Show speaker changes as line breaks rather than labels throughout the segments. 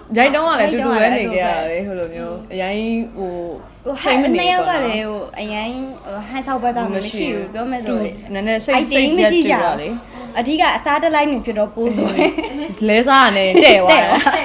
ရိုက်တော့ကလည်းတူတူပဲနေကြရတယ်ဟိုလိုမျိုးအရင်ဟို
ဟိုနှစ်ယောက်ကလည်းဟိုအရင်ဟန်ဆောက်ပွဲကြောင့်မရှိဘူးပြောမယ်ဆို
နည်းနည်းစိတ်မရှိကြပါလေ
အဓိကအစားတက်လိုက်နေဖြစ်တော့ပိုးဆို
လဲစားနေတဲ့သွား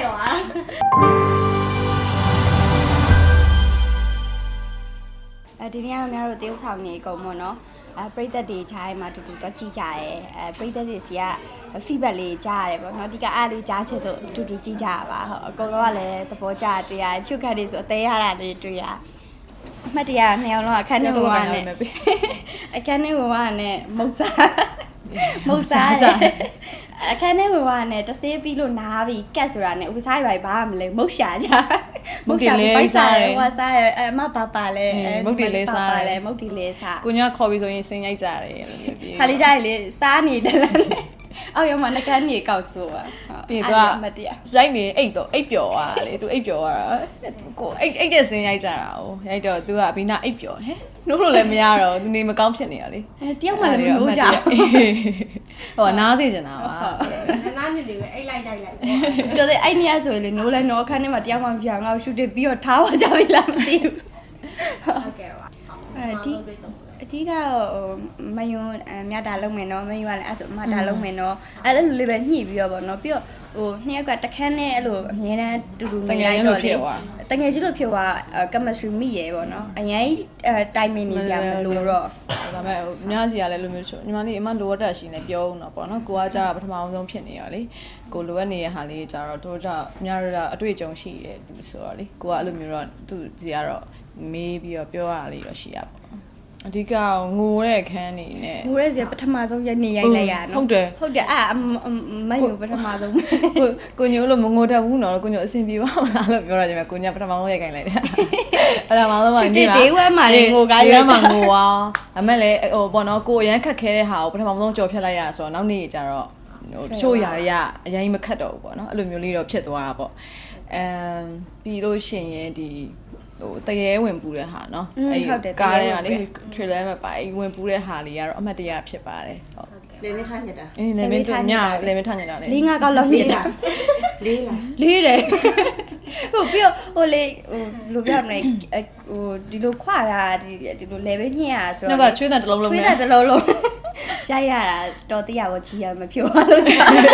ဒီနေ့ကတော့များတို့တရုတ်ဆောင်နေအကုန်ပေါ့နော်ပရိသတ်တွေခြားထဲမှာတူတူတော့ကြည့်ကြရဲပရိသတ်တွေစီက feedback လေးကြားရတယ်ပေါ့နော်ဒီကအားလေးကြားချစ်တော့တူတူကြည့်ကြရပါဟုတ်အကုန်လုံးကလည်းသဘောကျတွေ့ရချုပ်ခတ်တွေဆိုအသေးရတာလေးတွေ့ရအမှတ်တရနှစ်ယောက်လုံးအခန်းထဲဝင်ပါနဲ့အခန်းထဲဝင်ပါနဲ့မုတ်စားအခန်းထဲဝင်ပါနဲ့တဆေးပြီးလို့နားပြီးကတ်ဆိုတာနဲ့ဥစားရိုက်ပါမလဲမုတ်ရှာကြ
မုတ်တီလေးစားတယ်
ဟိုစားရအမပါလဲ
မုတ်တီလေးစား
တယ်မုတ်တီလေးစား
ကိုညခေါ်ပြီးဆိုရင်စင်ရိုက်ကြတယ်လို့ပြောပြီး
ခါလေးကြရလေစားနေတယ်လားအော်ရမနှကန်းကြီးကောက်ဆိုอ่ะ
ပြီးတော့ရိုက်နေအိတ်တော့အိတ်ပျော်သွားလေ तू အိတ်ပျော်သွားတာကိုအိတ်တဲ့စင်ရိုက်ကြတာ哦ရိုက်တော့ तू ကဘီနာအိတ်ပျော်ဟဲ့နိုးလို့လည်းမရတော့ तू နေမကောင်းဖြစ်နေရလေ
တယောက်မှလည်းမလို့ကြ
ဟိုနားစီချင်တာပါ
နားနေလေပဲအိတ်လိုက်ကြိုက်လိုက်
ပြောတယ်အဲ့နေရဆိုရင်နိုးလဲနိုးအခန်းထဲမှာတယောက်မှမပြောင်းငါ့ကိုရှူတစ်ပြီးတော့ထားပါကြပြီလားမသိဘူး
ဟုတ်ကဲ့ပါ
အဓိကမယွန်းမြတ်တာလုံးမယ်နော်မယွန်းကလည်းအဲ့ဆိုမတာလုံးမယ်နော်အဲ့လိုလေးပဲညှိပြီးတော့ဗောနော်ပြီးတော့ဟိုနှစ်ယောက်ကတခန်းနဲ့အဲ့လိုအမြဲတမ်းတူတူနေလိုက်တော့လေတငယ်ကြီးလို့ဖြစ်သွား chemistry မိရယ်ဗောနော်အရင်တိုင်မင်နေကြမလို့တော့
ဒါပေမဲ့ဟိုအများကြီးကလည်းလိုမျိုးညီမလေးအမလိုအပ်တာရှိနေပြောဦးတော့ဗောနော်ကိုကကြာပထမအောင်ဆုံးဖြစ်နေရလေကိုလိုအပ်နေတဲ့ဟာလေးကြာတော့တို့ကြောင့်အများတို့အတွေ့အကြုံရှိတယ်သူဆိုတော့လေကိုကအဲ့လိုမျိုးတော့သူစီကတော့မေးပြီးတော့ပြောရတာလေးတော့ရှိရပါအဓိကငိုတဲ့ခန်းနေနဲ့
ငိုတဲ့စီပထမဆုံးရက်နေရိုက်လိုက်ရနော်ဟုတ်တယ်အဲ့မယုံပထမဆုံး
ကိုညိုလို့မငိုတတ်ဘူးနော်ကိုညိုအဆင်ပြေပါမလားလို့ပြောရကြမယ်ကိုညပထမဆုံးရိုက်ခိုင်းလိုက်တယ်အဲ့ဒါမှတော့
ဒီ day 1မှာလေငိုကား
ရိုက်မှာငိုပါအမေလည်းဟိုပေါ့နော်ကိုအရန်ခက်ခဲတဲ့ဟာကိုပထမဆုံးကြော်ဖြတ်လိုက်ရဆိုတော့နောက်နေ့ကျတော့ဟိုတချို့ຢာတွေကအရင်မခတ်တော့ဘူးပေါ့နော်အဲ့လိုမျိုးလေးတော့ဖြစ်သွားတာပေါ့ပြီးလို့ရှိရင်ဒီဟိုတရေဝင်ပူတဲ့ဟာเนาะ
အဲ့
ကားတွေကလေ trailer မှာပါဝင်ပူတဲ့ဟာလေးကတော့အမှတ်တရဖြစ်ပါတယ်
ဟုတ်လေမင်းထားညက်တာ
လေမင်းထားညလေမင်းထားညက်တာလေ
၄-၅ကောက်လောက်နေတာ
လေးလား
လေးတယ်ဟိုပြီးဟိုလေဟိုလိုပြမလဲဟိုဒီလိုခွာတာဒီလို level ညှက်ရဆို
တော့ကချွေးတဲ့တစ်လုံးလုံး
ချွေးတဲ့တစ်လုံးလုံးရိုက်ရတာတော်တရားဘောကြီးရမဖြိုးပါလို့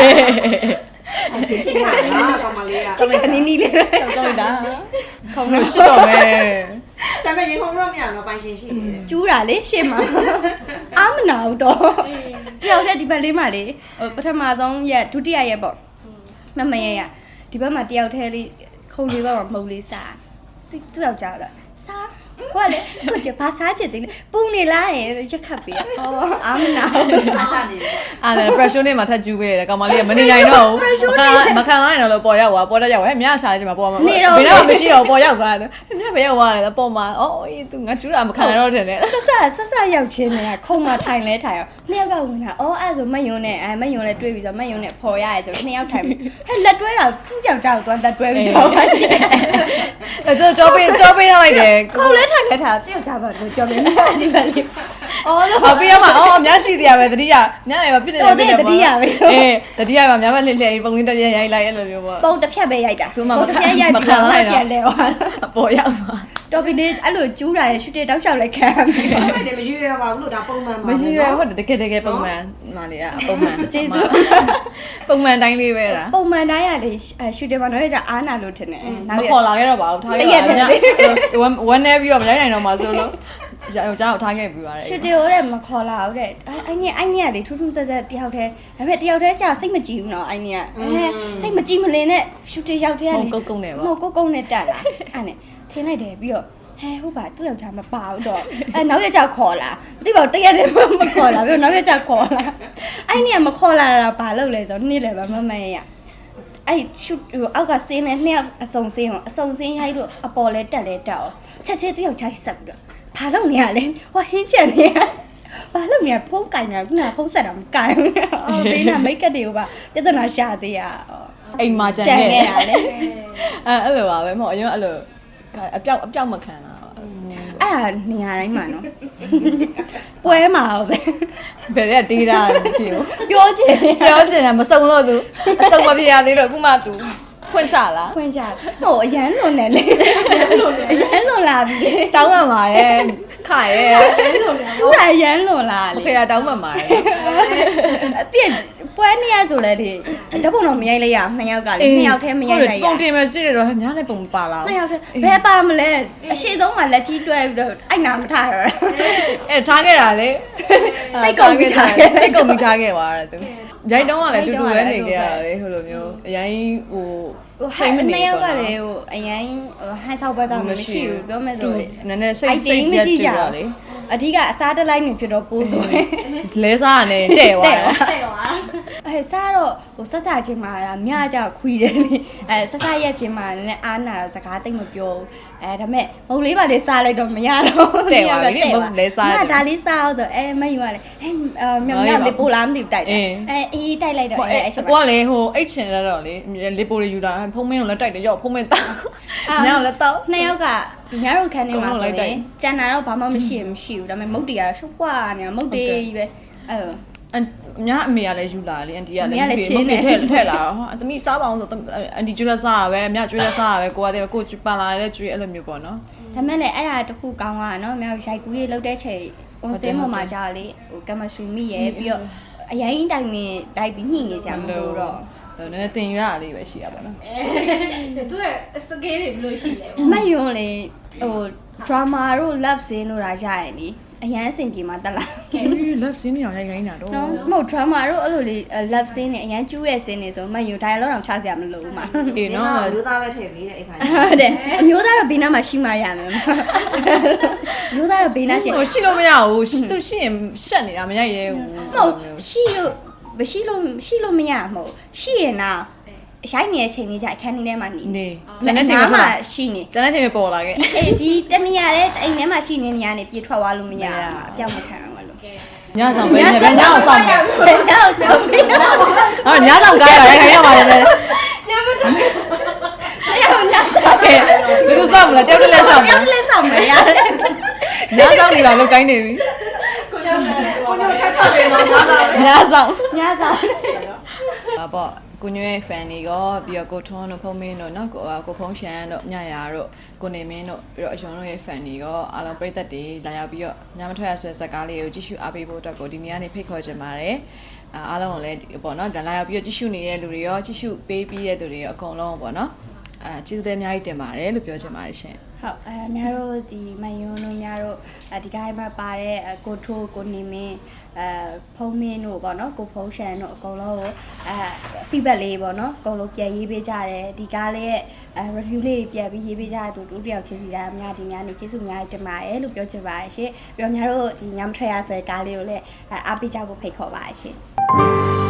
ဖြစ်နေတာကောင်မလေးက
ချစ်ကနေနီးလေး
ကြောက်တာ
ခေါင်း
လို့ရှိတော့မယ်
ဒါပေမဲ့ရေခုံတော့မရတော့ပိုင်ရှင်ရှိနေတယ်
ကျူးတာလေရှေ့မှာအာမနာဘူးတော့တယောက်တည်းဒီဘက်လေးမှာလေပထမဆုံးရက်ဒုတိယရက်ပေါ့မရဒီဘက်မှာတယောက်တည်းလေးခုံလေးဘက်မှာမုံလေးစားသူ့ယောက်ျားကစားဟုတ်လေကိုကျဘာစားချင်တယ်ပူနေလားရက်ခတ်ပေးဟောအာမနာ
အားစားနေတယ်
အဲ့ဒါ pressure နဲ့မှထပ်ကျူးပေးတယ်ကောင်မလေးကမနေနိုင်တော့ဘူးမခံနိုင်တော့လို့ပေါ်ရောက်သွားပေါ်တက်ရောက်ဟဲ့မြားရှာနေချိန်မှာပေါ်မှာဘယ်တော့မရှိတော့ပေါ်ရောက်သွားတယ်မြားဘယ်ရောက်သွားလဲပေါ်မှာအော်အေး तू ငါကျူးတာမခံနိုင်တော့တယ်လေ
ဆက်ရောက်ချင်းနေတာခုံမှာထိုင်လဲထိုင်ရောနှစ်ယောက်ကဝင်တာအော်အဲ့ဆိုမယွန်းနဲ့မယွန်းနဲ့တွေ့ပြီဆိုမယွန်းနဲ့ဖော်ရရဲဆိုနှစ်ယောက်ထိုင်ပြီဟဲ့လက်တွဲတာသူ့ကြောက်ကြောက်သွားလက်တွဲပြီးတော့ပါချင်း
အဲ့တော့ကြောပေးထားလိုက်တယ်
ခုံလဲထိုင်လဲထားတယောက်ကြပါလို့ကြောပေးနေဒီပဲလေ
အော်ပြီးရမှာအော်အများရှိသေးရပဲတတိယညရပါဖြစ်နေ
တယ်တတိယပဲ
တတိယမှာများမလှည့်ပုံလေးတစ်ပြက်ရိုက်လိုက်အဲ့လိုမျိုးပေါ့
ပုံတစ်ဖြတ်ပဲရိုက်တာ
သူမှမခံနိုင်တော့
ပြန်လဲသွား
ပေါ်ရောက်သွား
တော်ပြီလေအဲ့လိုကျူးတာရရှူတေတောက်လျှောက်လိုက်ခံ
တယ်မရွေးရပါဘူးလို့ဒါပုံမှန်ပါ
မရွေးရဟုတ်တယ်တကယ်ပုံမှန်မာလေးကပုံမှန်
ကျေးဇူး
ပုံမှန်တိုင်းလေးပဲလား
ပုံမှန်တိုင်းရလေရှူတေမှာတော့ကြအားနာလို့ထင်တယ်
မခေါ်လာခဲ့တော့ပါဘူးထားခဲ့ပါဝမ်းနေပြီးတော့မရိုက်နိုင်တော့မှဆိုလို့ယောက်ျားကိုထားခဲ့ပြီးပါတယ်
ရှူတေဟိုတဲ့မခေါ်လာဘူးတဲ့အဲ့နေကလေထူးထူးဆဲဆဲတယောက်တည်းဒါပေမဲ့တယောက်တည်းကျစိတ်မကြည်ဘူးနော်အဲ့နေကစိတ်မကြည်မလင်နဲ့ရှူတေရောက်တဲ့ကနေ
ကုတ်နဲ့ပါ
မဟုတ်ကုတ်နဲ့တက်လာအဲ့နဲ့ထင်းလိုက်တယ်ပြီးတော့ဟဲဟုတ်ပါသူ့ယောက်ျားမပါဘူးတော့နောက်ရက်ကျခေါ်လာမသိပါဘူးတရက်တည်းမခေါ်လာပြီးတော့နောက်ရက်ကျခေါ်လာအဲ့နေကမခေါ်လာတာဘာလုပ်လဲဆိုတော့နေ့လည်းပဲမရအဲ့ရှူအောက်ကဆင်းနေနှစ်ယောက်အစုံဆင်းရိုက်လို့အပေါ်လဲတက်အောင်ချက်ချင်းသူ့ယောက်ျားဆက်ပြီးတော့ဘာလုပ်နေရလဲဟောဟင်းချက်နေရဘာလုပ်နေရဖုန်းကင်နေတာခုနဖုန်းဆက်တာမကင်ဘူးအော်ဘေးနာမိတ်ကပ်တွေကိုပါပြဿနာရှာသေးရ
အိမ်မှာကြံ
နေတာလေ
အဲ့လိုပါပဲမဟုတ်အရင်အဲ့လိုအပြောက်မခံတာ
အဲ့ဒါနေရာတိုင်းမှာနော်ပွဲမှာပဲ
ဘယ်ကတေးတာဖြစ်
ပြောချင်
တာမစုံလို့သူအစုံမဖြစ်ရသေးလို့အခုမှသူဖွင့်ချလား
ဖွင့်ကြဟိုအရန်လွန်တယ်လေအရန်လွန်လာပြီ
တောင်းမှန်ပါရဲ့ခရဲ့
ကျူတာအရန်လွန်လာလေ
ဖေကတောင်းမှန်ပါရဲ့
အပြည့်ပွဲနေရဆိုလဲဒီတပုံတော့မရိုက်လိုက်ရ2ယောက်ကလေ2ယောက်တည်းမရိုက်လိုက်ရ
ပုံတင်မယ်စစ်တယ်တော့များလည်းပုံပါလား
2ယောက်တည်းဘယ်ပါမလဲအရှိဆုံးမှာလက်ကြီးတွဲပြီးတော့အဲ့နာမထားရ
အဲထားခဲ့တာလေ
စိတ်ကုန်ပြီးထားခဲ့
စိတ်ကုန်ပြီးထားခဲ့ပါတဲ့သူရိုက်တော့ကလည်းတူတူပဲနေခဲ့ရတာလေဟိုလိုမျိုးအရင်ဟို
ဟို2ယောက်ကလည်းဟိုအရင်ဟန်ဆောက်ပွဲကြောင့်မရှိဘူးပြောမယ်ဆို
နည်းနည်းစိတ်ရက်ကြည့်ရလေ
အဓိကအစားတက်လိုက်နေဖြစ်တော့ပိုးဆိုရင်
လဲစားရတယ်တဲ့သွားတယ်
အဲစားတော့ဟိုဆက်စားချင်းမှာမြကြခွီးတယ်လေအဲဆက်စားရက်ချင်းမှာနည်းနည်းအားနာတော့စကားတိတ်မပြောဘူးအဲဒါပေမဲ့မုတ်လေးပါလေးစားလိုက်တော့မရတော့
တဲ့သွားပြီမဟုတ်လဲစား
ငါဒါလေးစားအောင်ဆိုမယူရလေမြောင်မြောင်လေးပို့လာမသိဘူးတိုက်တယ်အေးတိုက်လိုက်တော့အဲ့အချိန်
ကိုကလေဟိုအိတ်ချင်ရတော့လေလေပိုတွေယူတာဖုံးမင်းကိုလည်းတိုက်တယ်ရောဖုံးမင်းတောင်းညောင်လည်းတောင်း
2ယောက်ကညတို့ခန်းထဲမှာဆိုရင်ကြံတာတော့ဘာမှမရှိဘူးဒါပေမဲ့မုတ်တီကတော့ရှုပ်ပွားနေတာမုတ်တီကြီးပဲအဲ့လို
ညအမေကလည်းယူလာလေအန်တီကလည်းမုတ်တွေထည့်လာတော့ဟာသမီးစားပါအောင်ဆိုအန်တီကျွေးလက်စားရပဲအမကျွေးလက်စားရပဲကိုကတည်းကကိုပန်လာတဲ့ကျွေးအဲ့လိုမျိုးပေါ့နော်
ဒါမဲ့လည်းအဲ့ဒါတခုကောင်းတာနော်မြောက်ရိုက်ကူးရေးလောက်တဲ့ချိန်ပုံစင်းပေါ်မှာကြာလေဟိုကမရှူမိရဲ့ပြီးတော့အရင်တိုင်မင်းလိုက်ပြီးညှိနေကြမှာလို့တော့
နည်းနည်းတင်ရတာလေးပဲရှိရပါတော့
သူကစကေးတွေဘယ်လိုရှိလဲ
မယွန်းလေဟို drama တို့ love scene တို့ရာရရင်လေအရန်အဆင်ပြေမှာတက်လာ
love scene တွေရိုက်ခိုင်းတာတော့
နော်မဟုတ် drama တို့အဲ့လိုလေ love scene နဲ့အရန်ကျူးတဲ့ scene တွေဆိုမယွန်း dialogue တော့ချစရာမလိုဘူးမှာ
အေးနော်
လူသားပဲထည့်ပေးတဲ့အိမ်ခိုင်း
ဟုတ်တယ်အမျိုးသားတော့ဘေးနားမှာရှိမှရမယ်မျိုးသားတော့ဘေးနားရှိ
ဟိုရှိလို့မရဘူးသူရှိရင်ရှက်နေတာမရိုက်ရဲဘူး
မဟုတ်ရှိလို့မရမဟုတ်ရှိရင်တော့ရိုက်နေတဲ့အချိန်လေးကြာအခန်းထဲမှာနေ
နေကျန်တဲ့ချိန်မှာ
ရှိနေ
ကျန်တဲ့ချိန်မှာပေါ်လာခဲ့
အေးဒီတနေရာတဲ့အိမ်ထဲမှာရှိနေနေရနေပြေထွက်သွားလို့မရဘူးအပြောက်မခံအောင်လို့
ညဆောင်ပဲနဲ့ပဲညအောင်ဆောင်မယ်
ဘယ်တော့ဆောင်ပြီးတော့
ဟာညဆောင်ကားရရိုက်ခိုင်းရပါတယ်လေ
အဲ့ဟိုညဆောင်
ကဲဘယ်သူဆောင်မလဲတယောက်တည်းလဲဆောင်မယ်
ပြောင်းလဲဆောင်မရတယ်
ညဆောင်နေပါလို့ကိုင်းနေပြီ
ကိုညထပ်ထပ်ပေးတော့ငါသာပဲ
ညဆောင်
ညဆောင်
ပါပေါ့ကိုညွဲ fan တွေရောပြီးတော့ကိုထွန်းတို့ဖုံးမင်းတို့နော်ကိုဖုံးရှန်တို့ညရာတို့ကိုနေမင်းတို့ပြီးတော့အယုံတို့ရဲ့ fan တွေရောအားလုံးပရိသတ်တွေလာရောက်ပြီးတော့ညမထွက်ရဆိုတဲ့ဇာတ်ကားလေးကိုကြည့်ရှုအားပေးဖို့အတွက်ကိုဒီနေ့ကနေဖိတ်ခေါ်ချင်ပါတယ်အားလုံးကိုလည်းပေါ့နော်လာရောက်ပြီးတော့ကြည့်ရှုနေတဲ့လူတွေရောကြည့်ရှုပေးပြီးတဲ့လူတွေရောအကုန်လုံးပေါ့နော်ကျေးဇူးတင်အများကြီးတင်ပါတယ်လို့ပြောချင်ပါတယ်ရှင်
ဟုတ်များတို့ဒီမယွန်းတို့များတို့ဒီကိုင်းမှာပါတဲ့ကိုထိုးကိုနေမင်းဖုံးမင်းတို့ပေါ့နော်ကိုဖုံးရှန်တို့အကုန်လုံးကိုfeedback လေးပေါ့နော်အကုန်လုံးပြန်ရေးပေးကြတယ်ဒီကားလေးရဲ့review လေးပြန်ပြီးရေးပေးကြတဲ့တူတယောက်ချင်းစီတိုင်းအများဒီများနေကျေးဇူးများတင်ပါတယ်လို့ပြောချင်ပါတယ်ရှင်ပြီးတော့များတို့ဒီညမထွက်ရဆိုတဲ့ကားလေးကိုလည်းအားပေးကြဖို့ဖိတ်ခေါ်ပါတယ်ရှင်